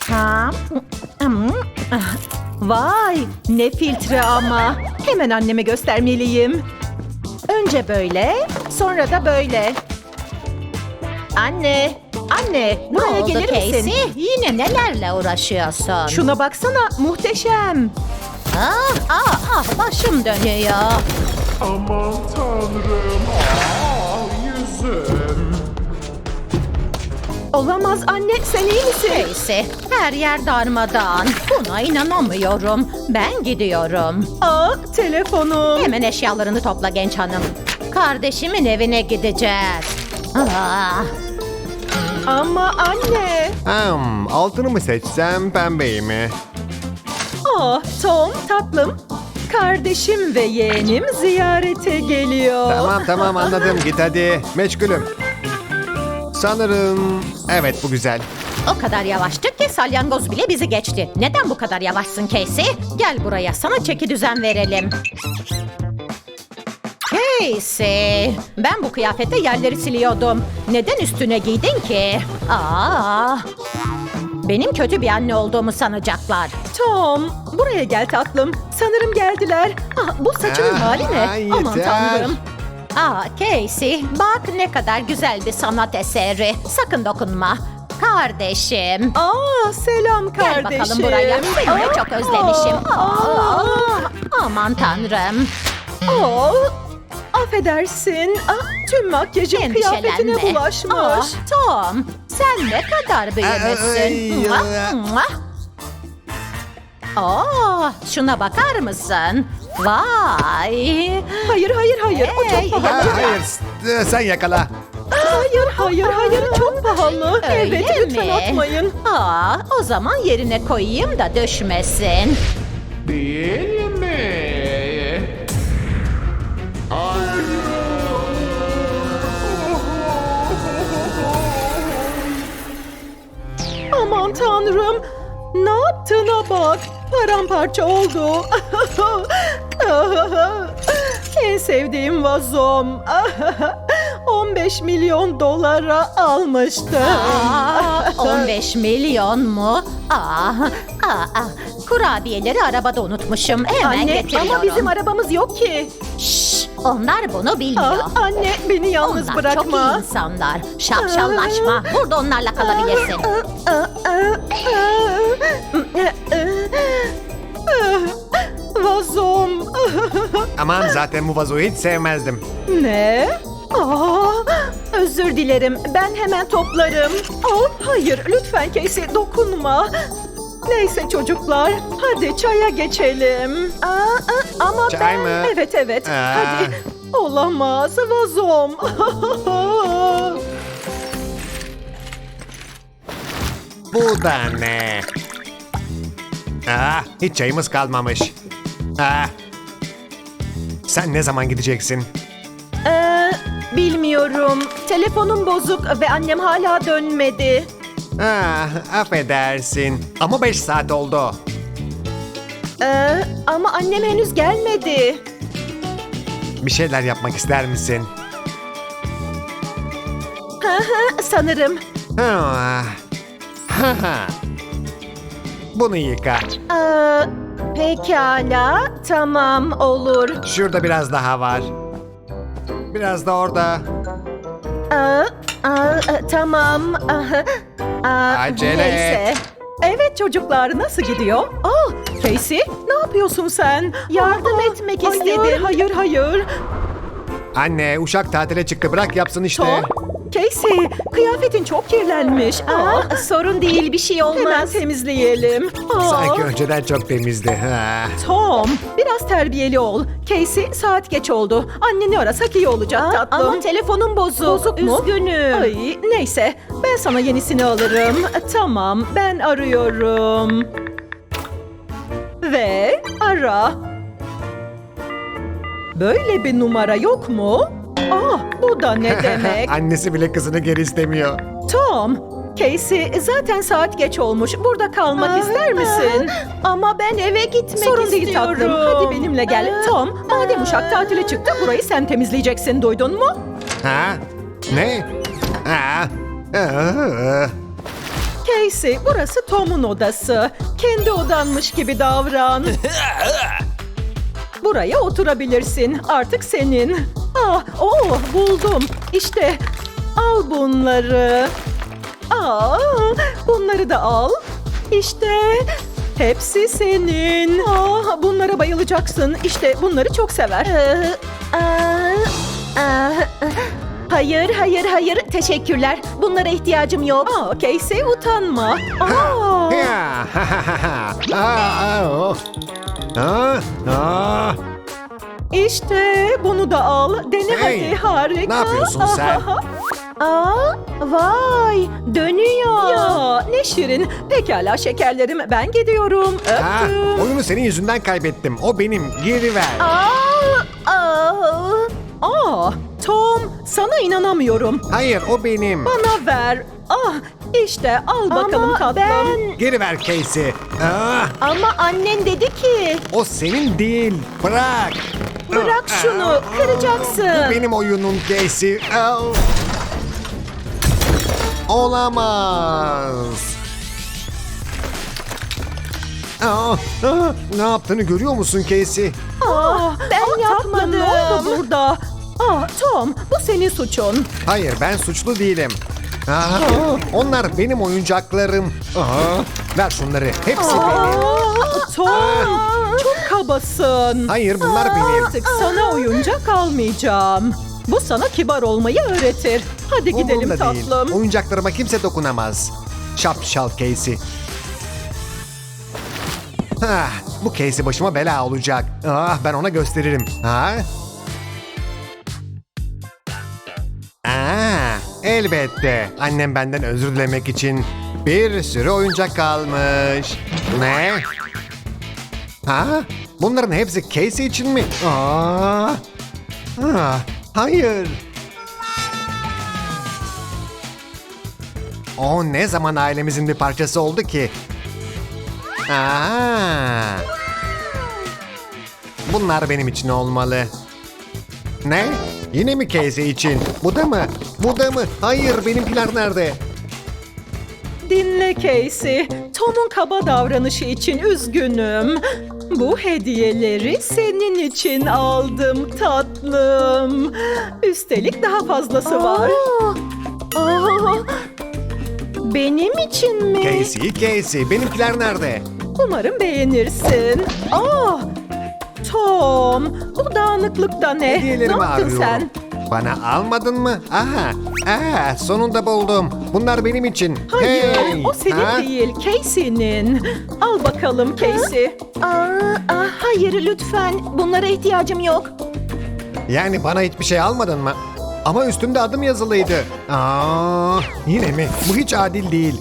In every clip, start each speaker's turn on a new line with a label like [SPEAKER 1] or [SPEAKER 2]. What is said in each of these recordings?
[SPEAKER 1] Ha? Vay, ne filtre ama. Hemen anneme göstermeliyim. Önce böyle, sonra da böyle. Anne, buraya
[SPEAKER 2] oldu
[SPEAKER 1] gelir misin?
[SPEAKER 2] Casey? Yine nelerle uğraşıyorsun?
[SPEAKER 1] Şuna baksana, muhteşem.
[SPEAKER 2] Başım dönüyor.
[SPEAKER 3] Aman tanrım. Yüzüm.
[SPEAKER 1] Olamaz anne, sen iyi misin?
[SPEAKER 2] Casey, her yer darmadağın. Buna inanamıyorum. Ben gidiyorum.
[SPEAKER 1] Telefonum.
[SPEAKER 2] Hemen eşyalarını topla genç hanım. Kardeşimin evine gideceğiz.
[SPEAKER 1] Ama anne.
[SPEAKER 4] Altını mı seçsem, pembeyi mi?
[SPEAKER 1] Tom, tatlım. Kardeşim ve yeğenim ziyarete geliyor.
[SPEAKER 4] Tamam anladım, git hadi. Meşgulüm. Sanırım... Evet, bu güzel.
[SPEAKER 2] O kadar yavaştık ki salyangoz bile bizi geçti. Neden bu kadar yavaşsın Casey? Gel buraya, sana çeki düzen verelim. Casey, ben bu kıyafette yerleri siliyordum. Neden üstüne giydin ki? Benim kötü bir anne olduğumu sanacaklar.
[SPEAKER 1] Tom, buraya gel tatlım. Sanırım geldiler. Bu saçının hali ne?
[SPEAKER 4] yeter.
[SPEAKER 1] Aman tanrım.
[SPEAKER 2] Casey, bak ne kadar güzel bir sanat eseri. Sakın dokunma. Kardeşim.
[SPEAKER 1] Selam
[SPEAKER 2] Gel
[SPEAKER 1] kardeşim.
[SPEAKER 2] bakalım buraya. Seni de çok özlemişim. Aman tanrım.
[SPEAKER 1] Affedersin. Tüm makyajım kıyafetine
[SPEAKER 2] Endişelenme.
[SPEAKER 1] bulaşmış.
[SPEAKER 2] Tom, sen ne kadar büyümüşsün. Şuna bakar mısın? Vay.
[SPEAKER 1] Hayır. O
[SPEAKER 2] Hey,
[SPEAKER 1] çok pahalı.
[SPEAKER 4] Hayır, sen yakala.
[SPEAKER 1] Hayır. Çok pahalı.
[SPEAKER 2] Öyle
[SPEAKER 1] Evet, lütfen
[SPEAKER 2] mi?
[SPEAKER 1] atmayın.
[SPEAKER 2] O zaman yerine koyayım da düşmesin.
[SPEAKER 3] Değil mi?
[SPEAKER 1] Aman tanrım. Ne yaptığına bak. Paramparça oldu. En sevdiğim vazom. 15 milyon dolara almıştım.
[SPEAKER 2] 15 milyon mu? Kurabiyeleri arabada unutmuşum. Hemen
[SPEAKER 1] Anne,
[SPEAKER 2] getiriyorum.
[SPEAKER 1] ama bizim arabamız yok ki.
[SPEAKER 2] Şşş, onlar bunu bilmiyor.
[SPEAKER 1] Anne, beni yalnız
[SPEAKER 2] Onlar
[SPEAKER 1] bırakma.
[SPEAKER 2] çok iyi insanlar. Şapşallaşma. Burada onlarla kalabilirsin.
[SPEAKER 1] Vazom.
[SPEAKER 4] Aman, zaten bu vazoyu hiç sevmezdim.
[SPEAKER 1] Ne? Özür dilerim. Ben hemen toplarım. Hayır, lütfen Casey dokunma. Neyse çocuklar, hadi çaya geçelim. Ama
[SPEAKER 4] Çay
[SPEAKER 1] ben...
[SPEAKER 4] mı?
[SPEAKER 1] Evet. Hadi. Olamaz, vazom.
[SPEAKER 4] Bu da ne? Hiç çayımız kalmamış. Sen ne zaman gideceksin?
[SPEAKER 1] Bilmiyorum. Telefonum bozuk ve annem hala dönmedi.
[SPEAKER 4] Affedersin. Ama 5 saat oldu.
[SPEAKER 1] Ama annem henüz gelmedi.
[SPEAKER 4] Bir şeyler yapmak ister misin?
[SPEAKER 1] Sanırım.
[SPEAKER 4] Bunu yıka.
[SPEAKER 1] Pekala, tamam olur.
[SPEAKER 4] Şurada biraz daha var. Biraz da orada.
[SPEAKER 1] Tamam.
[SPEAKER 4] Acele
[SPEAKER 1] neyse.
[SPEAKER 4] et.
[SPEAKER 1] Evet çocuklar, nasıl gidiyor? Casey, ne yapıyorsun sen? Yardım etmek istedim. Hayır.
[SPEAKER 4] Anne, uşak tatile çıktı. Bırak yapsın işte.
[SPEAKER 1] Tom, Casey, kıyafetin çok kirlenmiş. Sorun değil, bir şey olmaz. Hemen temizleyelim.
[SPEAKER 4] Sanki önceden çok temizdi.
[SPEAKER 1] Tom, biraz terbiyeli ol. Casey, saat geç oldu. Anneni arasak iyi olacak tatlım. Ama telefonum bozuk. Bozuk mu? Üzgünüm. Neyse, ben sana yenisini alırım. Tamam, ben arıyorum. Ve ara. Böyle bir numara yok mu? Bu da ne demek?
[SPEAKER 4] Annesi bile kızını geri istemiyor.
[SPEAKER 1] Tom, Casey zaten saat geç olmuş. Burada kalmak ister misin? Ama ben eve gitmek Sorun değil tatlım. Hadi benimle gel. Tom, madem uşak tatile çıktı burayı sen temizleyeceksin. Duydun mu?
[SPEAKER 4] Ne?
[SPEAKER 1] Casey, burası Tom'un odası. Kendi odanmış gibi davran. Buraya oturabilirsin. Artık senin. Buldum. İşte al bunları. Bunları da al. İşte hepsi senin. Bunlara bayılacaksın. İşte bunları çok sever.
[SPEAKER 2] Hayır. Teşekkürler. Bunlara ihtiyacım yok.
[SPEAKER 1] Casey utanma.
[SPEAKER 4] Ya,
[SPEAKER 1] İşte bunu da al. Dene
[SPEAKER 4] Hey,
[SPEAKER 1] hadi. Harika.
[SPEAKER 4] ne yapıyorsun sen?
[SPEAKER 2] Vay, dönüyor.
[SPEAKER 1] Ya ne şirin. Pekala şekerlerim, ben gidiyorum.
[SPEAKER 4] Ha,
[SPEAKER 1] Öptüm.
[SPEAKER 4] oyunu senin yüzünden kaybettim. O benim. Geri ver.
[SPEAKER 1] Tom, sana inanamıyorum.
[SPEAKER 4] Hayır, o benim.
[SPEAKER 1] Bana ver. İşte al bakalım
[SPEAKER 2] Ama
[SPEAKER 1] tatlım.
[SPEAKER 4] Geri ver Casey.
[SPEAKER 2] Ama annen dedi ki
[SPEAKER 4] O senin değil. Bırak.
[SPEAKER 2] bırak şunu, kıracaksın.
[SPEAKER 4] Benim oyunum Casey. Olamaz. Ne yaptığını görüyor musun Casey?
[SPEAKER 2] Ben yapmadım.
[SPEAKER 1] Ne oldu burada? Tom, bu senin suçun.
[SPEAKER 4] Hayır, ben suçlu değilim. Onlar benim oyuncaklarım. Ver şunları. Hepsi benim.
[SPEAKER 1] Tom, çok kabasın.
[SPEAKER 4] Hayır, bunlar benim.
[SPEAKER 1] Artık sana oyuncak almayacağım. Bu sana kibar olmayı öğretir. Hadi gidelim
[SPEAKER 4] Umurumda değil.
[SPEAKER 1] tatlım.
[SPEAKER 4] Oyuncaklarıma kimse dokunamaz. Şapşal Casey. Bu Casey başıma bela olacak. Ben ona gösteririm. Elbette. Annem benden özür dilemek için bir sürü oyuncak almış. Ne? Bunların hepsi Casey için mi? Hayır. O ne zaman ailemizin bir parçası oldu ki? Bunlar benim için olmalı. Ne? Yine mi Casey için? Bu da mı? Bu da mı? Hayır, benimkiler nerede?
[SPEAKER 1] Dinle Casey. Tom'un kaba davranışı için üzgünüm. Bu hediyeleri senin için aldım tatlım. Üstelik daha fazlası var.
[SPEAKER 2] Benim için mi?
[SPEAKER 4] Casey, benimkiler nerede?
[SPEAKER 1] Umarım beğenirsin. Tom, bu dağınıklıkta ne? Ne
[SPEAKER 4] Hediyelerimi
[SPEAKER 1] yaptın
[SPEAKER 4] arıyorum.
[SPEAKER 1] sen?
[SPEAKER 4] Bana almadın mı? Sonunda buldum. Bunlar benim için.
[SPEAKER 1] Hayır,
[SPEAKER 4] Hey!
[SPEAKER 1] o senin değil, Casey'nin. Al bakalım Casey.
[SPEAKER 2] Hayır lütfen. Bunlara ihtiyacım yok.
[SPEAKER 4] Yani bana hiçbir şey almadın mı? Ama üstümde adım yazılıydı. Yine mi? Bu hiç adil değil.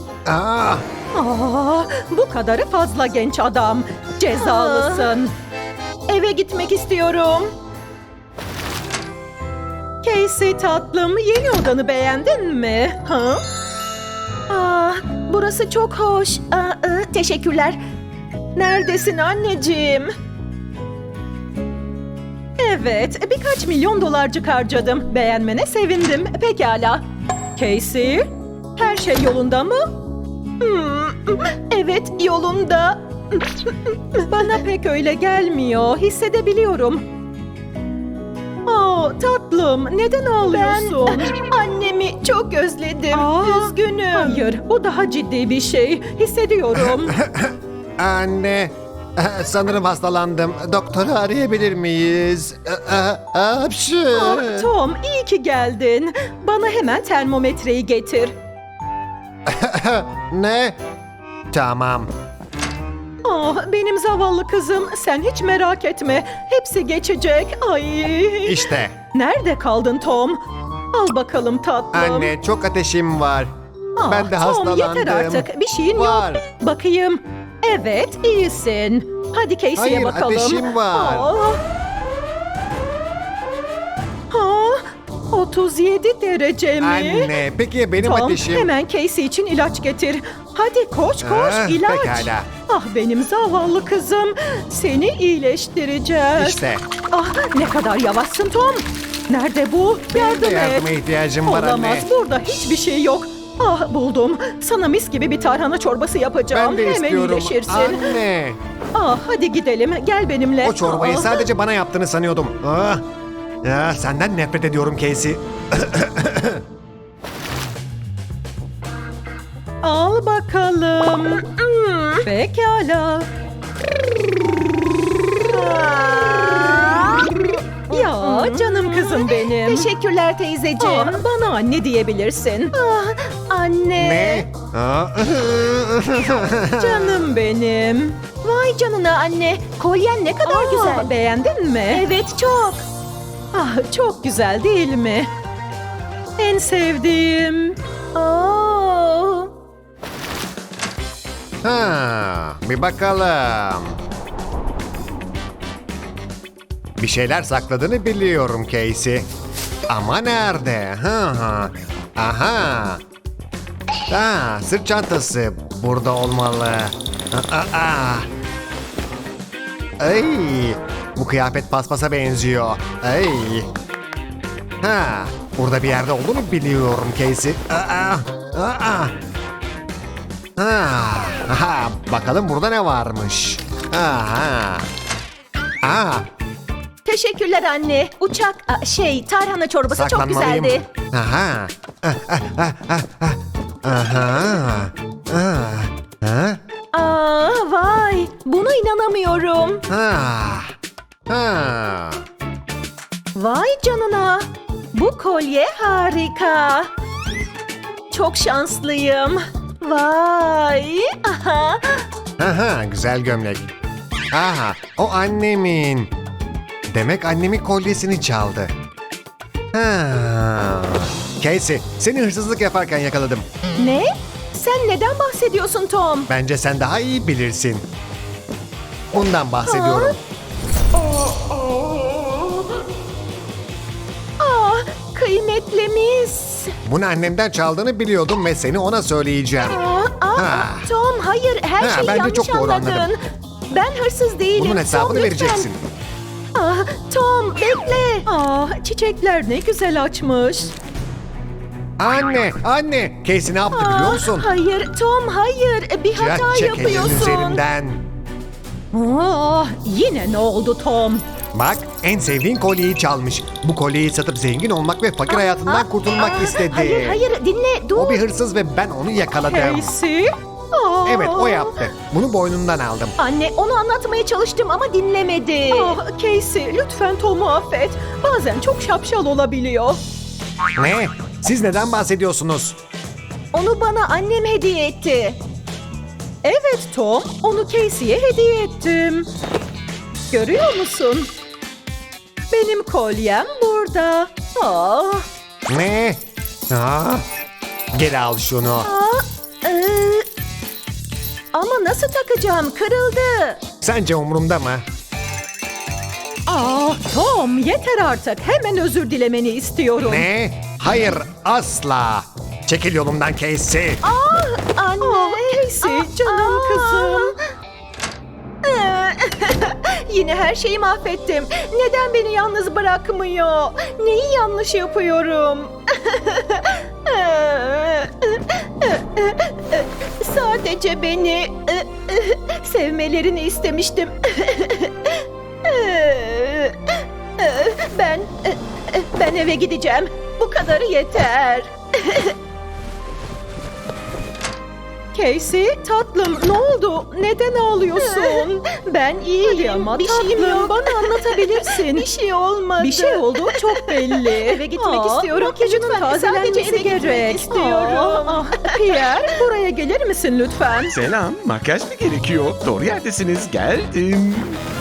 [SPEAKER 1] Bu kadarı fazla genç adam. Cezalısın. Eve gitmek istiyorum. Casey tatlım, yeni odanı beğendin mi?
[SPEAKER 2] Burası çok hoş. Teşekkürler.
[SPEAKER 1] Neredesin anneciğim? Evet, birkaç milyon dolarcık harcadım. Beğenmene sevindim. Pekala. Casey, her şey yolunda mı? Evet, yolunda. Bana pek öyle gelmiyor. Hissedebiliyorum. Tatlım, neden ağlıyorsun?
[SPEAKER 2] Annemi çok özledim.
[SPEAKER 1] Üzgünüm. Hayır, bu daha ciddi bir şey. Hissediyorum.
[SPEAKER 4] Anne, sanırım hastalandım. Doktoru arayabilir miyiz?
[SPEAKER 1] Tom, iyi ki geldin. Bana hemen termometreyi getir.
[SPEAKER 4] Ne? Tamam.
[SPEAKER 1] Benim zavallı kızım, sen hiç merak etme. Hepsi geçecek. Ay.
[SPEAKER 4] İşte.
[SPEAKER 1] Nerede kaldın Tom? Al bakalım tatlım.
[SPEAKER 4] Anne, çok ateşim var. Ben de
[SPEAKER 1] Tom,
[SPEAKER 4] hastalandım.
[SPEAKER 1] yeter artık. Bir şeyin
[SPEAKER 4] Var.
[SPEAKER 1] yok. Bakayım. Evet, iyisin. Hadi Casey'ye
[SPEAKER 4] Hayır,
[SPEAKER 1] bakalım.
[SPEAKER 4] ateşim var.
[SPEAKER 1] 37 derece mi?
[SPEAKER 4] Anne, peki ya benim
[SPEAKER 1] Tom,
[SPEAKER 4] ateşim?
[SPEAKER 1] hemen Casey için ilaç getir. Hadi koş ilaç.
[SPEAKER 4] Pekala.
[SPEAKER 1] Benim zavallı kızım. Seni iyileştireceğiz.
[SPEAKER 4] İşte.
[SPEAKER 1] Ne kadar yavaşsın Tom. Nerede bu?
[SPEAKER 4] Benim de
[SPEAKER 1] Yardım et.
[SPEAKER 4] yardıma ihtiyacım var
[SPEAKER 1] Olamaz,
[SPEAKER 4] anne.
[SPEAKER 1] burada hiçbir şey yok. Ah buldum. Sana mis gibi bir tarhana çorbası yapacağım.
[SPEAKER 4] Ben de
[SPEAKER 1] Hemen
[SPEAKER 4] istiyorum.
[SPEAKER 1] iyileşirsin.
[SPEAKER 4] Anne.
[SPEAKER 1] Ah hadi gidelim. Gel benimle.
[SPEAKER 4] O çorbayı
[SPEAKER 1] Ah.
[SPEAKER 4] sadece bana yaptığını sanıyordum. Ah. Ya, senden nefret ediyorum Casey.
[SPEAKER 1] Al bakalım. Pekala. Ya canım kızım benim.
[SPEAKER 2] Teşekkürler teyzeciğim.
[SPEAKER 1] Ah, bana anne diyebilirsin.
[SPEAKER 2] Anne.
[SPEAKER 4] Ne? Ah.
[SPEAKER 1] Canım benim.
[SPEAKER 2] Vay canına anne. Kolyen ne kadar güzel.
[SPEAKER 1] Beğendin mi?
[SPEAKER 2] Evet çok.
[SPEAKER 1] Ah, çok güzel değil mi? En sevdiğim.
[SPEAKER 2] Oo.
[SPEAKER 4] Ha, bir bakalım. Bir şeyler sakladığını biliyorum Casey. Ama nerede? Ha. Aha. Sırt çantası burada olmalı. Ay, bu kıyafet paspasa benziyor. Ay. Burada bir yerde olduğunu biliyorum Casey. Bakalım burada ne varmış.
[SPEAKER 2] Teşekkürler anne. Tarhana çorbası çok
[SPEAKER 4] Saklanmalıyım.
[SPEAKER 2] güzeldi. Vay. Buna inanamıyorum. Vay canına. Bu kolye harika. Çok şanslıyım. Vay. Aha.
[SPEAKER 4] Güzel gömlek. O annemin. Demek annemin kolyesini çaldı. Casey, seni hırsızlık yaparken yakaladım.
[SPEAKER 2] Ne? Sen neden bahsediyorsun Tom?
[SPEAKER 4] Bence sen daha iyi bilirsin. Bundan bahsediyorum.
[SPEAKER 2] Kıymetlimiz.
[SPEAKER 4] Bunu annemden çaldığını biliyordum ve seni ona söyleyeceğim. Ha.
[SPEAKER 2] Tom hayır her şeyi
[SPEAKER 4] bence
[SPEAKER 2] yanlış
[SPEAKER 4] çok doğru
[SPEAKER 2] anladın.
[SPEAKER 4] anladım.
[SPEAKER 2] Ben hırsız değilim.
[SPEAKER 4] Bunun hesabını
[SPEAKER 2] Tom, lütfen.
[SPEAKER 4] vereceksin.
[SPEAKER 2] Tom bekle.
[SPEAKER 1] Çiçekler ne güzel açmış.
[SPEAKER 4] Anne. Casey ne yaptı biliyor musun?
[SPEAKER 2] Hayır Tom hayır. Bir hata
[SPEAKER 4] Çek elini
[SPEAKER 2] yapıyorsun.
[SPEAKER 4] üzerimden.
[SPEAKER 1] Yine ne oldu Tom?
[SPEAKER 4] Bak, en sevdiğin kolyeyi çalmış. Bu kolyeyi satıp zengin olmak ve fakir hayatından kurtulmak istedi.
[SPEAKER 2] Hayır dinle dur.
[SPEAKER 4] O bir hırsız ve ben onu yakaladım.
[SPEAKER 1] Casey?
[SPEAKER 4] Evet, o yaptı. Bunu boynundan aldım.
[SPEAKER 2] Anne onu anlatmaya çalıştım ama dinlemedi.
[SPEAKER 1] Casey lütfen Tom'u affet. Bazen çok şapşal olabiliyor.
[SPEAKER 4] Ne? Siz neden bahsediyorsunuz?
[SPEAKER 2] Onu bana annem hediye etti.
[SPEAKER 1] Evet Tom, onu Casey'ye hediye ettim. Görüyor musun? Benim kolyem burada.
[SPEAKER 4] Ne? Geri al şunu.
[SPEAKER 2] Ama nasıl takacağım? Kırıldı.
[SPEAKER 4] Sence umurumda mı?
[SPEAKER 1] Tom yeter artık. Hemen özür dilemeni istiyorum.
[SPEAKER 4] Ne? Hayır, asla. Çekil yolumdan Casey.
[SPEAKER 2] Anne.
[SPEAKER 1] Casey canım kızım.
[SPEAKER 2] Yine her şeyi mahvettim. Neden beni yalnız bırakmıyor? Neyi yanlış yapıyorum? Sadece beni sevmelerini istemiştim. Ben eve gideceğim. Bu kadarı yeter.
[SPEAKER 1] Casey tatlım ne oldu? Neden ağlıyorsun?
[SPEAKER 2] Ben iyiyim.
[SPEAKER 1] Hadi ama
[SPEAKER 2] bir şeyim
[SPEAKER 1] tatlım,
[SPEAKER 2] yok.
[SPEAKER 1] bana anlatabilirsin.
[SPEAKER 2] Bir şey olmadı.
[SPEAKER 1] Bir şey olduğu çok belli.
[SPEAKER 2] Eve gitmek istiyorum.
[SPEAKER 1] Makyajının
[SPEAKER 2] Lütfen,
[SPEAKER 1] tazelenmesi
[SPEAKER 2] sadece eve gitmek
[SPEAKER 1] gerek.
[SPEAKER 2] istiyorum.
[SPEAKER 1] Pierre buraya gelir misin lütfen?
[SPEAKER 3] Selam, makyaj mı gerekiyor? Doğru yerdesiniz, geldim.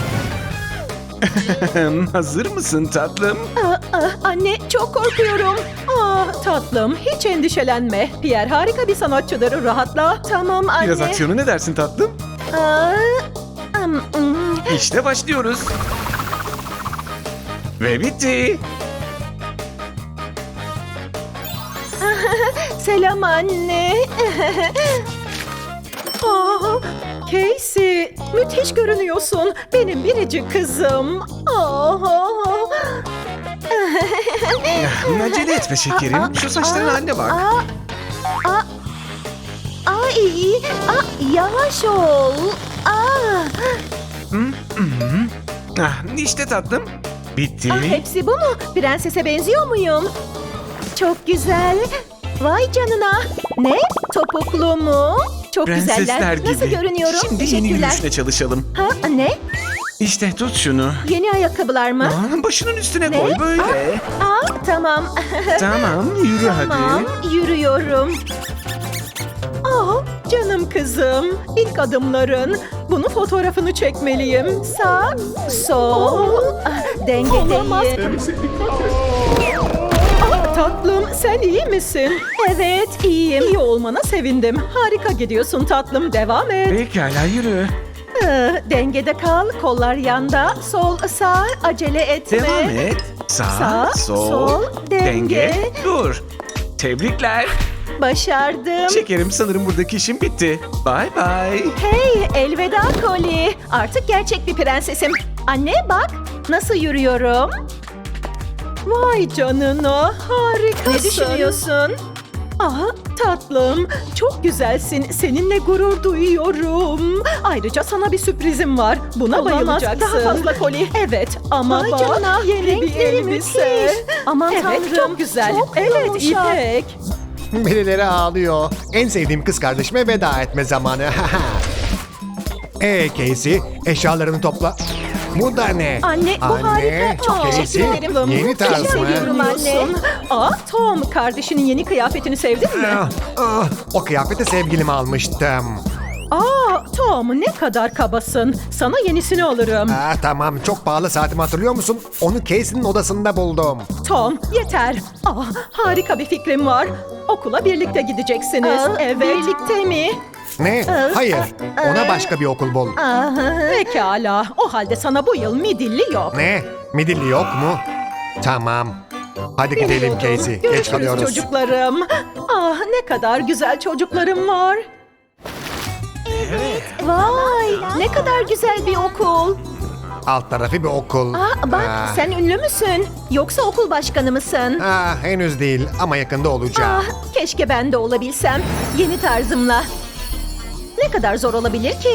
[SPEAKER 3] Hazır mısın tatlım?
[SPEAKER 2] Anne çok korkuyorum.
[SPEAKER 1] Tatlım hiç endişelenme. Pierre harika bir sanatçıdır, rahatla.
[SPEAKER 2] Tamam anne.
[SPEAKER 3] Biraz aksiyonu ne dersin tatlım? İşte başlıyoruz. Ve bitti.
[SPEAKER 2] Selam anne.
[SPEAKER 1] Casey müthiş görünüyorsun. Benim biricik kızım.
[SPEAKER 3] Acele etme şekerim. Şu saçların haline bak.
[SPEAKER 2] Ay, yavaş ol.
[SPEAKER 3] İşte tatlım. Bitti.
[SPEAKER 1] Hepsi bu mu? Prensese benziyor muyum? Çok güzel. Vay canına. Ne? Topuklu mu? Çok
[SPEAKER 3] Prensesler
[SPEAKER 1] güzeller.
[SPEAKER 3] gibi.
[SPEAKER 1] Nasıl görünüyorum?
[SPEAKER 3] Şimdi yeni
[SPEAKER 1] Teşekkürler.
[SPEAKER 3] yürüyüşüne çalışalım.
[SPEAKER 1] Ha, ne?
[SPEAKER 3] İşte tut şunu.
[SPEAKER 1] Yeni ayakkabılar mı?
[SPEAKER 3] Başının üstüne
[SPEAKER 1] Ne?
[SPEAKER 3] koy böyle.
[SPEAKER 1] Tamam.
[SPEAKER 3] Tamam yürü
[SPEAKER 1] Tamam,
[SPEAKER 3] hadi.
[SPEAKER 1] yürüyorum. Canım kızım. İlk adımların. Bunun fotoğrafını çekmeliyim. Sağ, sol. Dengedeyim. Tatlım, sen iyi misin? Evet, iyiyim. İyi olmana sevindim. Harika gidiyorsun tatlım. Devam et.
[SPEAKER 3] Pekala yürü.
[SPEAKER 1] Dengede kal. Kollar yanda. Sol, sağ. Acele etme.
[SPEAKER 3] Devam et. Sağ,
[SPEAKER 1] Sağ,
[SPEAKER 3] sol,
[SPEAKER 1] sol, denge.
[SPEAKER 3] Dur. Tebrikler.
[SPEAKER 1] Başardım.
[SPEAKER 3] Şekerim sanırım buradaki işim bitti. Bye bye.
[SPEAKER 1] Hey, elveda Koli. Artık gerçek bir prensesim. Anne bak, nasıl yürüyorum? Vay canına, harikasın. Ne düşünüyorsun? Tatlım, çok güzelsin. Seninle gurur duyuyorum. Ayrıca sana bir sürprizim var. Buna bayılacaksın. Daha fazla Koli. Evet, ama
[SPEAKER 2] Vay
[SPEAKER 1] bak,
[SPEAKER 2] canına,
[SPEAKER 1] yeni bir
[SPEAKER 2] renkleri
[SPEAKER 1] elbise.
[SPEAKER 2] müthiş. Aman
[SPEAKER 1] evet,
[SPEAKER 2] tanrım,
[SPEAKER 1] çok güzel.
[SPEAKER 2] çok
[SPEAKER 1] Evet,
[SPEAKER 2] yumuşak.
[SPEAKER 1] İpek.
[SPEAKER 4] Birileri ağlıyor. En sevdiğim kız kardeşime veda etme zamanı. Casey, eşyalarını topla. Bu da ne?
[SPEAKER 1] Anne, bu harika. Çok
[SPEAKER 4] Casey,
[SPEAKER 1] teşekkür ederim.
[SPEAKER 4] yeni tarz mı?
[SPEAKER 1] Seviyorum anne. Tom, kardeşinin yeni kıyafetini sevdin mi?
[SPEAKER 4] O kıyafeti sevgilime almıştım.
[SPEAKER 1] Tom, ne kadar kabasın. Sana yenisini alırım.
[SPEAKER 4] Tamam, çok pahalı saatimi hatırlıyor musun? Onu Casey'nin odasında buldum.
[SPEAKER 1] Tom, yeter. Harika bir fikrim var. Okula birlikte gideceksiniz. Evet. Birlikte mi?
[SPEAKER 4] Ne? Hayır, ona başka bir okul bul.
[SPEAKER 1] Pekala. O halde sana bu yıl midilli yok.
[SPEAKER 4] Ne? Midilli yok mu? Tamam. Hadi gidelim Casey, geç
[SPEAKER 1] Görüşürüz
[SPEAKER 4] kalıyoruz.
[SPEAKER 1] çocuklarım. Ne kadar güzel çocuklarım var. Vay, ne kadar güzel bir okul.
[SPEAKER 4] Alt tarafı bir okul.
[SPEAKER 1] Bak, sen ünlü müsün? Yoksa okul başkanı mısın?
[SPEAKER 4] Henüz değil ama yakında olacağım.
[SPEAKER 1] Keşke ben de olabilsem. Yeni tarzımla. Ne kadar zor olabilir ki?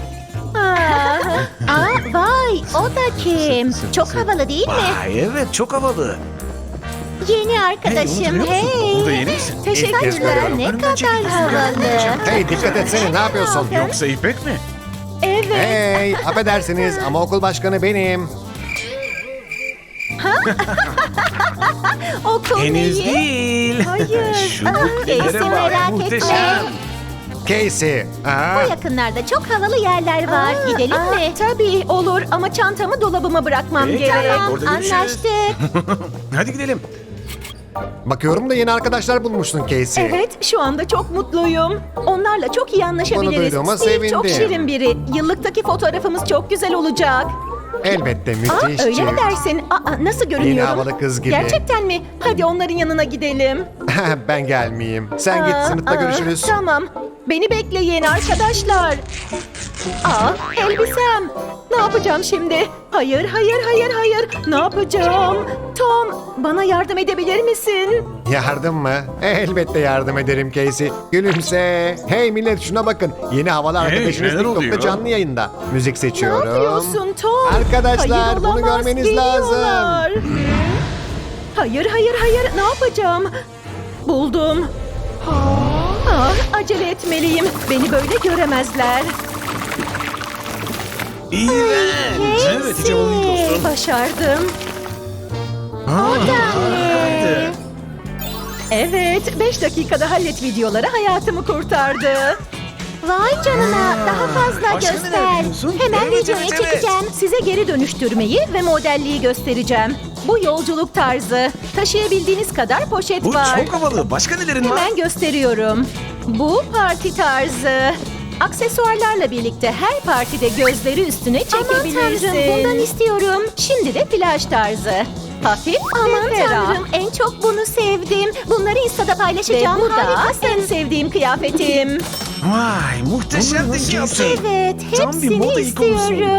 [SPEAKER 2] Vay, o da kim? Çok havalı değil mi?
[SPEAKER 3] Vay evet çok havalı.
[SPEAKER 2] Yeni arkadaşım,
[SPEAKER 3] Bu da yeni misin?
[SPEAKER 4] İlk kez
[SPEAKER 2] Teşekkürler,
[SPEAKER 4] görüyorum.
[SPEAKER 2] ne
[SPEAKER 3] Önümden çekilsin.
[SPEAKER 2] kadar havalı.
[SPEAKER 4] Hey dikkat etsene, ne yapıyorsun?
[SPEAKER 3] Yoksa İpek mi?
[SPEAKER 1] Evet.
[SPEAKER 4] Hey, affedersiniz ama okul başkanı benim.
[SPEAKER 1] Okul
[SPEAKER 3] Henüz
[SPEAKER 1] neyi?
[SPEAKER 3] değil.
[SPEAKER 1] Hayır.
[SPEAKER 3] Şu buklelere
[SPEAKER 2] Casey,
[SPEAKER 3] bak
[SPEAKER 2] merak etme.
[SPEAKER 3] muhteşem.
[SPEAKER 4] Casey.
[SPEAKER 2] Bu yakınlarda çok havalı yerler var. Gidelim mi?
[SPEAKER 1] Tabii olur ama çantamı dolabıma bırakmam
[SPEAKER 3] Peki.
[SPEAKER 1] gerek.
[SPEAKER 3] Tamam. Orada görüşürüz.
[SPEAKER 2] Anlaştık.
[SPEAKER 3] Hadi gidelim.
[SPEAKER 4] Bakıyorum da yeni arkadaşlar bulmuşsun Casey.
[SPEAKER 1] Evet, şu anda çok mutluyum. Onlarla çok iyi anlaşabiliriz.
[SPEAKER 4] duyduğuma
[SPEAKER 1] Steve çok
[SPEAKER 4] sevindim.
[SPEAKER 1] şirin biri. Yıllıktaki fotoğrafımız çok güzel olacak.
[SPEAKER 4] Elbette müthiş.
[SPEAKER 1] Öyle mi dersin? Nasıl görünüyorum?
[SPEAKER 4] havalı kız gibi.
[SPEAKER 1] Gerçekten mi? Hadi onların yanına gidelim.
[SPEAKER 4] Ben gelmeyeyim. Sen git, sınıfta görüşürüz.
[SPEAKER 1] Tamam. Beni bekleyin arkadaşlar. Elbisem. Ne yapacağım şimdi? Hayır. Ne yapacağım? Tom, bana yardım edebilir misin?
[SPEAKER 4] Yardım mı? Elbette yardım ederim Casey. Gülümse. Hey millet şuna bakın. Yeni havalı arkadaşınız
[SPEAKER 3] neler
[SPEAKER 4] TikTok'ta
[SPEAKER 3] oluyor?
[SPEAKER 4] canlı yayında. Müzik
[SPEAKER 1] Ne
[SPEAKER 4] seçiyorum.
[SPEAKER 1] yapıyorsun Tom?
[SPEAKER 4] Arkadaşlar,
[SPEAKER 1] Hayır,
[SPEAKER 4] bunu
[SPEAKER 1] olamaz.
[SPEAKER 4] görmeniz
[SPEAKER 1] Geliyorlar. Hayır. Ne yapacağım? Buldum. Acele etmeliyim. Beni böyle göremezler.
[SPEAKER 3] İğrenç. Evet hiç havalı değil dostum.
[SPEAKER 1] Başardım.
[SPEAKER 3] Harikaydı.
[SPEAKER 1] Evet, 5 dakikada hallet videoları hayatımı kurtardı.
[SPEAKER 2] Vay canına, daha fazla
[SPEAKER 3] Başka neler
[SPEAKER 2] göster.
[SPEAKER 3] biliyorsun?
[SPEAKER 2] Hemen
[SPEAKER 3] Evet,
[SPEAKER 2] videoya
[SPEAKER 3] evet, evet.
[SPEAKER 2] çekeceğim.
[SPEAKER 1] Size geri dönüştürmeyi ve modelliği göstereceğim. Bu yolculuk tarzı. Taşıyabildiğiniz kadar poşet
[SPEAKER 3] Bu
[SPEAKER 1] var.
[SPEAKER 3] çok havalı. Başka nelerin var?
[SPEAKER 1] Hemen gösteriyorum. Bu parti tarzı. Aksesuarlarla birlikte her partide gözleri üstüne
[SPEAKER 2] Aman
[SPEAKER 1] çekebilirsin.
[SPEAKER 2] tanrım, bundan istiyorum.
[SPEAKER 1] Şimdi de plaj tarzı. Hafif
[SPEAKER 2] Aman
[SPEAKER 1] ve ferah.
[SPEAKER 2] tanrım, en çok bunu sevdim. Bunları Insta'da
[SPEAKER 1] Ve
[SPEAKER 2] paylaşacağım.
[SPEAKER 1] bu da
[SPEAKER 2] Harikasın.
[SPEAKER 1] en sevdiğim kıyafetim.
[SPEAKER 3] Vay muhteşem
[SPEAKER 2] Evet,
[SPEAKER 3] yaptın. Tam bir
[SPEAKER 2] hepsini
[SPEAKER 3] moda ikonusun.
[SPEAKER 2] istiyorum.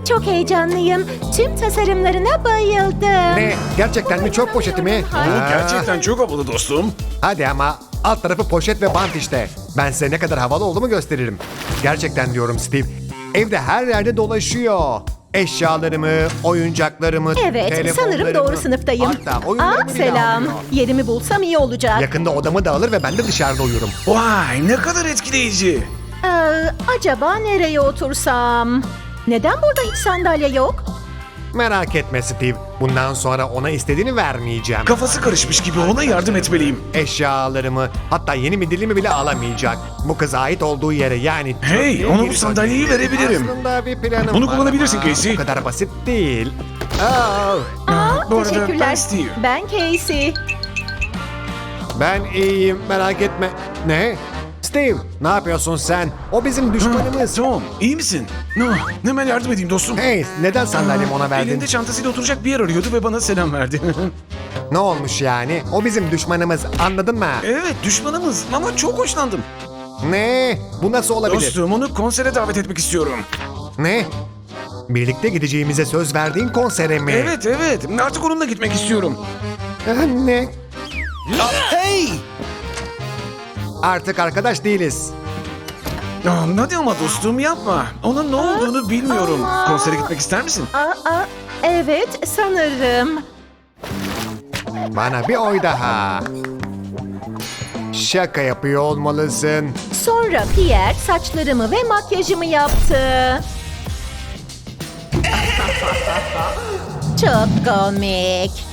[SPEAKER 2] Çok heyecanlıyım. Tüm tasarımlarına bayıldım.
[SPEAKER 4] Ne? Gerçekten mi? Çöp poşeti mi?
[SPEAKER 3] Bu gerçekten çok havalı dostum.
[SPEAKER 4] Hadi ama alt tarafı poşet ve bant işte. Ben size ne kadar havalı olduğumu gösteririm. Gerçekten diyorum Steve. Evde her yerde dolaşıyor. Eşyalarımı, oyuncaklarımı,
[SPEAKER 1] Evet,
[SPEAKER 4] telefonlarımı.
[SPEAKER 1] sanırım doğru sınıftayım.
[SPEAKER 4] Hatta oyunlarımı bile
[SPEAKER 1] Selam.
[SPEAKER 4] alıyor.
[SPEAKER 1] Yerimi bulsam iyi olacak.
[SPEAKER 4] Yakında odamı da alır ve ben de dışarıda uyurum.
[SPEAKER 3] Vay ne kadar etkileyici.
[SPEAKER 1] Acaba nereye otursam? Neden burada hiç sandalye yok?
[SPEAKER 4] Merak etme Steve. Bundan sonra ona istediğini vermeyeceğim.
[SPEAKER 3] Kafası karışmış gibi ona yardım etmeliyim.
[SPEAKER 4] Eşyalarımı, hatta yeni midillimi bile alamayacak. Bu kıza ait olduğu yere yani...
[SPEAKER 3] Hey,
[SPEAKER 4] çöplüğe
[SPEAKER 3] ona bu
[SPEAKER 4] geri
[SPEAKER 3] sandalyeyi
[SPEAKER 4] dönecek.
[SPEAKER 3] verebilirim.
[SPEAKER 4] Aslında bir planım
[SPEAKER 3] Bunu
[SPEAKER 4] var
[SPEAKER 3] kullanabilirsin
[SPEAKER 4] ama
[SPEAKER 3] Casey.
[SPEAKER 4] Bu kadar basit değil. Oh,
[SPEAKER 3] Bu arada
[SPEAKER 1] Teşekkürler.
[SPEAKER 3] ben Steve.
[SPEAKER 1] Ben Casey.
[SPEAKER 4] ben iyiyim, merak etme. Ne? Steve, ne yapıyorsun sen? O bizim düşmanımız.
[SPEAKER 3] Tom, iyi misin? Hemen yardım edeyim dostum.
[SPEAKER 4] Hey, neden sandalyemi ona verdin?
[SPEAKER 3] Elinde çantasıyla oturacak bir yer arıyordu ve bana selam verdi.
[SPEAKER 4] Ne olmuş yani? O bizim düşmanımız, anladın mı?
[SPEAKER 3] Evet, düşmanımız ama çok hoşlandım.
[SPEAKER 4] Ne? Bu nasıl olabilir?
[SPEAKER 3] Dostum, onu konsere davet etmek istiyorum.
[SPEAKER 4] Ne? Birlikte gideceğimize söz verdiğin konsere mi?
[SPEAKER 3] Evet, artık onunla gitmek istiyorum.
[SPEAKER 4] Ne?
[SPEAKER 3] Hey!
[SPEAKER 4] Artık arkadaş değiliz.
[SPEAKER 3] Hadi ama dostum yapma. Onun ne olduğunu bilmiyorum.
[SPEAKER 1] Ama-
[SPEAKER 3] Konsere gitmek ister misin?
[SPEAKER 1] Evet sanırım.
[SPEAKER 4] Bana bir oy daha. Şaka yapıyor olmalısın.
[SPEAKER 1] Sonra Pierre saçlarımı ve makyajımı yaptı.
[SPEAKER 2] Çok komik.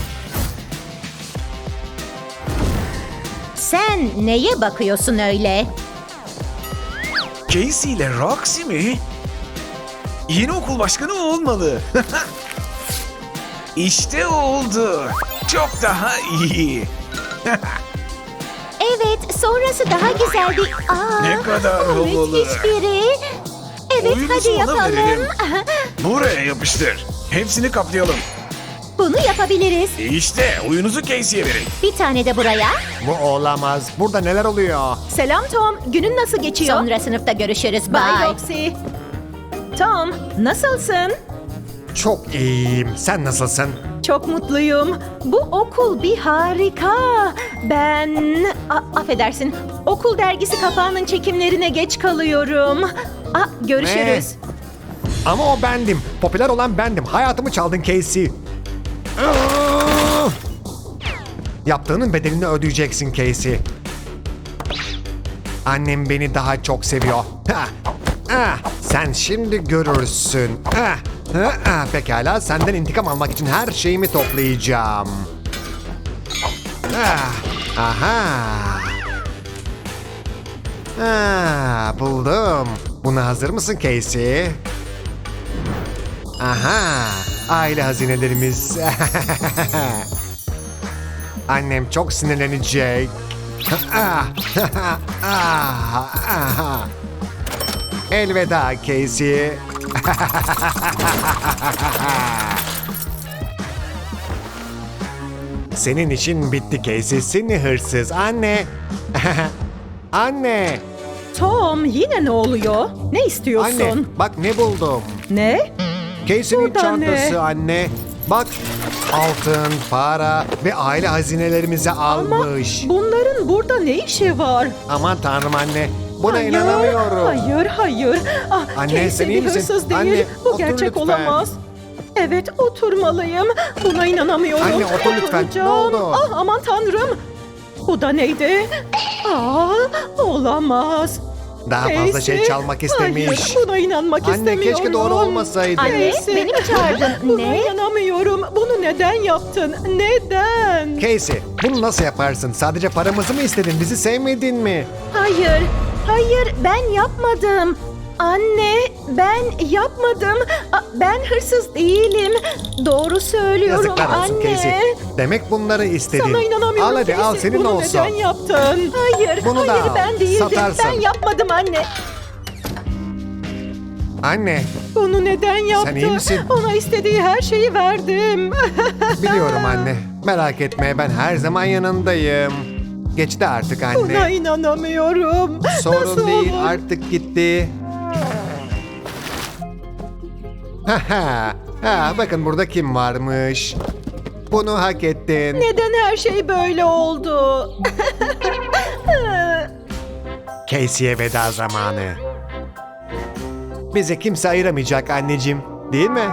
[SPEAKER 2] Sen neye bakıyorsun öyle?
[SPEAKER 3] Casey ile Roxy mi? Yeni okul başkanı o olmalı. İşte oldu. Çok daha iyi.
[SPEAKER 2] Evet, sonrası daha güzeldi.
[SPEAKER 3] Ne kadar havalı.
[SPEAKER 2] Müthiş biri. Evet,
[SPEAKER 3] Oyunu
[SPEAKER 2] hadi
[SPEAKER 3] ona
[SPEAKER 2] yapalım.
[SPEAKER 3] verelim. Buraya yapıştır. Hepsini kaplayalım.
[SPEAKER 2] Bunu yapabiliriz.
[SPEAKER 3] İşte oyunuzu Casey'ye verin.
[SPEAKER 2] Bir tane de buraya.
[SPEAKER 4] Bu olamaz. Burada neler oluyor?
[SPEAKER 1] Selam Tom. Günün nasıl geçiyor?
[SPEAKER 2] Sonra sınıfta görüşürüz.
[SPEAKER 1] Bye
[SPEAKER 2] Bye.
[SPEAKER 1] Roxy. Tom, nasılsın?
[SPEAKER 4] Çok iyiyim. Sen nasılsın?
[SPEAKER 1] Çok mutluyum. Bu okul bir harika. Affedersin. Okul dergisi kapağının çekimlerine geç kalıyorum. Görüşürüz.
[SPEAKER 4] Ama o bendim. Popüler olan bendim. Hayatımı çaldın Casey. Yaptığının bedelini ödeyeceksin Casey. Annem beni daha çok seviyor. Sen şimdi görürsün. Pekala, senden intikam almak için her şeyimi toplayacağım. Buldum. Buna hazır mısın Casey? Aha, aile hazinelerimiz. Annem çok sinirlenecek. Elveda Casey. Senin işin bitti Casey, seni hırsız. Anne. Anne.
[SPEAKER 1] Tom, yine ne oluyor? Ne istiyorsun?
[SPEAKER 4] Anne, bak ne buldum.
[SPEAKER 1] Ne?
[SPEAKER 4] Casey'nin
[SPEAKER 1] Burada ne?
[SPEAKER 4] çantası anne. Bak, altın, para ve aile hazinelerimizi almış.
[SPEAKER 1] Bunların burada ne işi var?
[SPEAKER 4] Aman tanrım anne, buna
[SPEAKER 1] Hayır,
[SPEAKER 4] inanamıyorum.
[SPEAKER 1] Hayır.
[SPEAKER 4] Anne,
[SPEAKER 1] Casey
[SPEAKER 4] sen iyi
[SPEAKER 1] bir
[SPEAKER 4] misin?
[SPEAKER 1] hırsız değil.
[SPEAKER 4] Anne,
[SPEAKER 1] Bu
[SPEAKER 4] otur
[SPEAKER 1] gerçek
[SPEAKER 4] lütfen.
[SPEAKER 1] olamaz. Evet, oturmalıyım. Buna inanamıyorum.
[SPEAKER 4] Anne, otur lütfen. Ne
[SPEAKER 1] Oturacağım.
[SPEAKER 4] oldu?
[SPEAKER 1] Aman tanrım. Bu da neydi? Olamaz.
[SPEAKER 4] Daha fazla şey
[SPEAKER 1] Casey,
[SPEAKER 4] çalmak istemiş.
[SPEAKER 1] Hayır, buna inanmak
[SPEAKER 4] Anne,
[SPEAKER 1] istemiyorum.
[SPEAKER 4] keşke doğru olmasaydı.
[SPEAKER 2] Anne,
[SPEAKER 1] Casey,
[SPEAKER 2] beni mi çağırdın?
[SPEAKER 1] Buna
[SPEAKER 2] Ne?
[SPEAKER 1] inanamıyorum. Bunu neden yaptın? Neden?
[SPEAKER 4] Casey, bunu nasıl yaparsın? Sadece paramızı mı istedin? Bizi sevmedin mi?
[SPEAKER 1] Hayır, ben yapmadım. Anne, ben yapmadım. Ben hırsız değilim. Doğru söylüyorum
[SPEAKER 4] Yazıklar olsun
[SPEAKER 1] anne.
[SPEAKER 4] Casey. Demek bunları istedin.
[SPEAKER 1] Sana inanamıyorum
[SPEAKER 4] Al hadi,
[SPEAKER 1] Casey.
[SPEAKER 4] al senin
[SPEAKER 1] Bunu
[SPEAKER 4] olsun.
[SPEAKER 1] neden yaptın? Hayır,
[SPEAKER 4] Bunu da al,
[SPEAKER 1] ben değildim.
[SPEAKER 4] satarsın.
[SPEAKER 1] Ben yapmadım anne.
[SPEAKER 4] Anne,
[SPEAKER 1] Bunu neden yaptı?
[SPEAKER 4] iyi misin?
[SPEAKER 1] Ona istediği her şeyi verdim.
[SPEAKER 4] biliyorum anne. Merak etme, ben her zaman yanındayım. Geçti artık
[SPEAKER 1] Buna
[SPEAKER 4] anne.
[SPEAKER 1] inanamıyorum.
[SPEAKER 4] Sorun
[SPEAKER 1] Nasıl
[SPEAKER 4] değil,
[SPEAKER 1] olur?
[SPEAKER 4] artık gitti. Bakın burada kim varmış. Bunu hak ettin.
[SPEAKER 1] Neden her şey böyle oldu?
[SPEAKER 4] Casey'e veda zamanı. Bizi kimse ayıramayacak anneciğim, değil mi?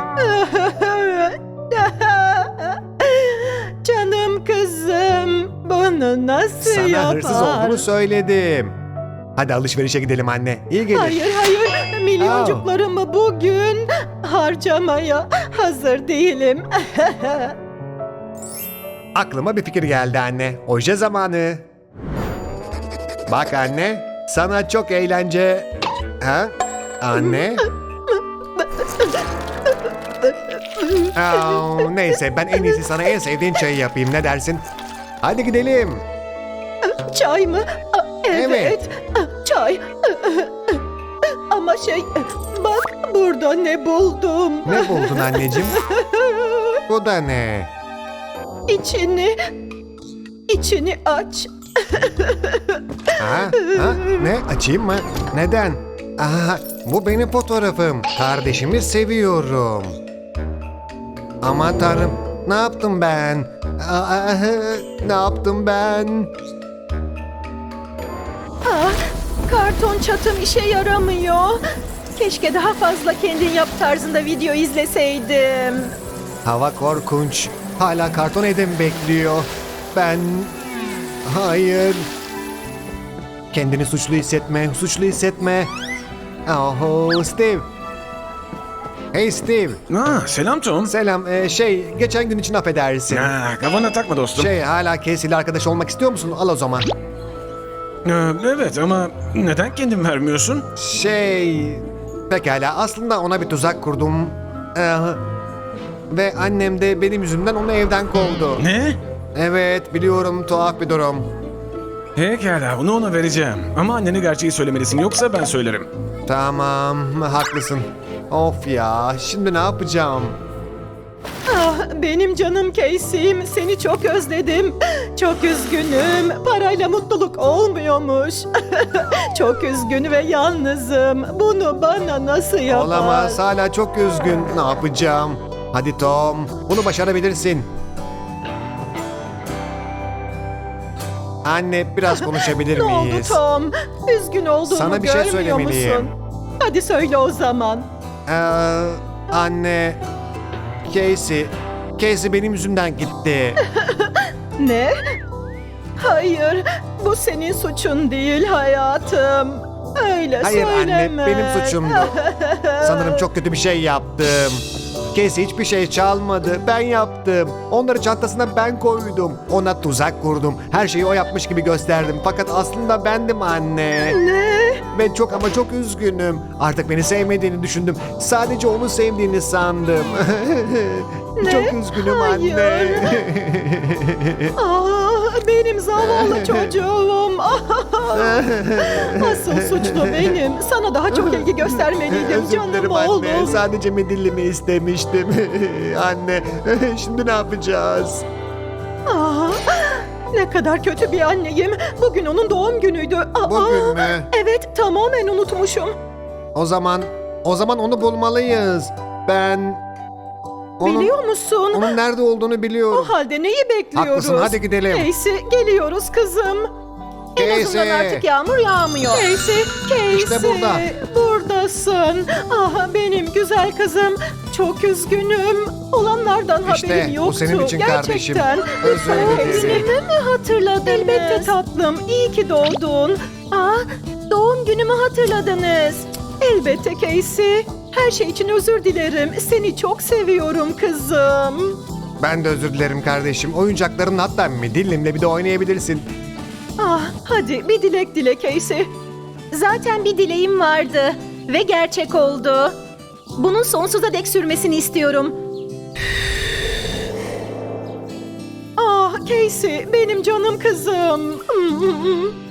[SPEAKER 1] Canım kızım, bunu nasıl
[SPEAKER 4] Sana
[SPEAKER 1] yapar?
[SPEAKER 4] hırsız olduğunu söyledim. Hadi alışverişe gidelim anne. İyi gelir.
[SPEAKER 1] Hayır, milyoncuklarımı bugün harcamaya hazır değilim.
[SPEAKER 4] Aklıma bir fikir geldi anne. Oje zamanı. Bak anne, sana çok eğlence... Ha? Anne? Neyse ben en iyisi sana en sevdiğin çayı yapayım. Ne dersin? Hadi gidelim.
[SPEAKER 1] Çay mı? Evet.
[SPEAKER 4] Evet.
[SPEAKER 1] Çay. Ama bak burada ne buldum.
[SPEAKER 4] Ne buldun anneciğim? Bu da ne?
[SPEAKER 1] İçini aç.
[SPEAKER 4] Ha? Ne? Açayım mı? Neden? Bu benim fotoğrafım. Kardeşimi seviyorum. Aman tanrım. Ne yaptım ben? Ne yaptım ben?
[SPEAKER 1] Karton çatım işe yaramıyor. Keşke daha fazla kendin yap tarzında video izleseydim.
[SPEAKER 4] Hava korkunç. Hala karton evde mi bekliyor? Ben... Hayır. Kendini suçlu hissetme. Oh, Steve. Hey Steve.
[SPEAKER 3] Selam Tom.
[SPEAKER 4] Selam. Geçen gün için affedersin.
[SPEAKER 3] Kafana takma dostum.
[SPEAKER 4] Hala Casey ile arkadaş olmak istiyor musun? Al o zaman.
[SPEAKER 3] Evet ama neden kendin vermiyorsun?
[SPEAKER 4] Pekala. Aslında ona bir tuzak kurdum. Ve annem de benim yüzümden onu evden kovdu.
[SPEAKER 3] Ne?
[SPEAKER 4] Evet, biliyorum, tuhaf bir durum.
[SPEAKER 3] Pekala bunu ona vereceğim. Ama annene gerçeği söylemelisin yoksa ben söylerim.
[SPEAKER 4] Tamam, haklısın. Of ya, şimdi ne yapacağım?
[SPEAKER 1] Benim canım Casey'im, seni çok özledim. Çok üzgünüm. Parayla mutluluk olmuyormuş. Çok üzgün ve yalnızım. Bunu bana nasıl yapar?
[SPEAKER 4] Olamaz, hala çok üzgün. Ne yapacağım? Hadi Tom, bunu başarabilirsin. Anne, biraz konuşabilir
[SPEAKER 1] Ne oldu
[SPEAKER 4] miyiz?
[SPEAKER 1] Tom? Üzgün olduğumu
[SPEAKER 4] Sana bir şey
[SPEAKER 1] görmüyor
[SPEAKER 4] söylemeliyim.
[SPEAKER 1] musun? Hadi söyle o zaman.
[SPEAKER 4] Anne, Casey benim yüzümden gitti.
[SPEAKER 1] Ne? Hayır, bu senin suçun değil hayatım. Öyle
[SPEAKER 4] Hayır
[SPEAKER 1] söyleme.
[SPEAKER 4] anne, benim suçumdu. Sanırım çok kötü bir şey yaptım. Casey hiçbir şey çalmadı, ben yaptım. Onları çantasına ben koydum. Ona tuzak kurdum. Her şeyi o yapmış gibi gösterdim. Fakat aslında bendim anne.
[SPEAKER 1] Ne?
[SPEAKER 4] Ben çok ama çok üzgünüm. Artık beni sevmediğini düşündüm. Sadece onu sevdiğini sandım.
[SPEAKER 1] Ne?
[SPEAKER 4] Çok üzgünüm
[SPEAKER 1] Hayır.
[SPEAKER 4] anne.
[SPEAKER 1] Benim zavallı çocuğum. Asıl suçlu benim. Sana daha çok ilgi göstermeliydim
[SPEAKER 4] Özür
[SPEAKER 1] canım
[SPEAKER 4] dilerim
[SPEAKER 1] oğlum.
[SPEAKER 4] anne. Sadece midillimi istemiştim. Anne, şimdi ne yapacağız?
[SPEAKER 1] Ne kadar kötü bir anneyim. Bugün onun doğum günüydü.
[SPEAKER 4] Bugün mü?
[SPEAKER 1] Evet, tamamen unutmuşum.
[SPEAKER 4] O zaman onu bulmalıyız. Ben
[SPEAKER 1] Biliyor musun?
[SPEAKER 4] onun nerede olduğunu biliyorum.
[SPEAKER 1] O halde neyi bekliyoruz?
[SPEAKER 4] Haklısın, hadi gidelim.
[SPEAKER 1] Casey, geliyoruz kızım.
[SPEAKER 2] En azından
[SPEAKER 4] Casey.
[SPEAKER 2] artık yağmur yağmıyor.
[SPEAKER 1] Casey,
[SPEAKER 4] İşte burada.
[SPEAKER 1] Buradasın. Benim güzel kızım. Çok üzgünüm. Olanlardan
[SPEAKER 4] İşte,
[SPEAKER 1] haberim
[SPEAKER 4] bu
[SPEAKER 1] yoktu.
[SPEAKER 4] senin için kardeşim.
[SPEAKER 1] Gerçekten.
[SPEAKER 4] Özür dilerim.
[SPEAKER 1] Günümü mü hatırladınız? Elbette tatlım. İyi ki doğdun. Doğum günümü hatırladınız. Elbette Casey. Her şey için özür dilerim. Seni çok seviyorum kızım.
[SPEAKER 4] Ben de özür dilerim kardeşim. Oyuncakların hatta midillimle bir de oynayabilirsin.
[SPEAKER 1] Hadi bir dilek dile Casey.
[SPEAKER 2] Zaten bir dileğim vardı ve gerçek oldu. Bunun sonsuza dek sürmesini istiyorum.
[SPEAKER 1] Casey, benim canım kızım.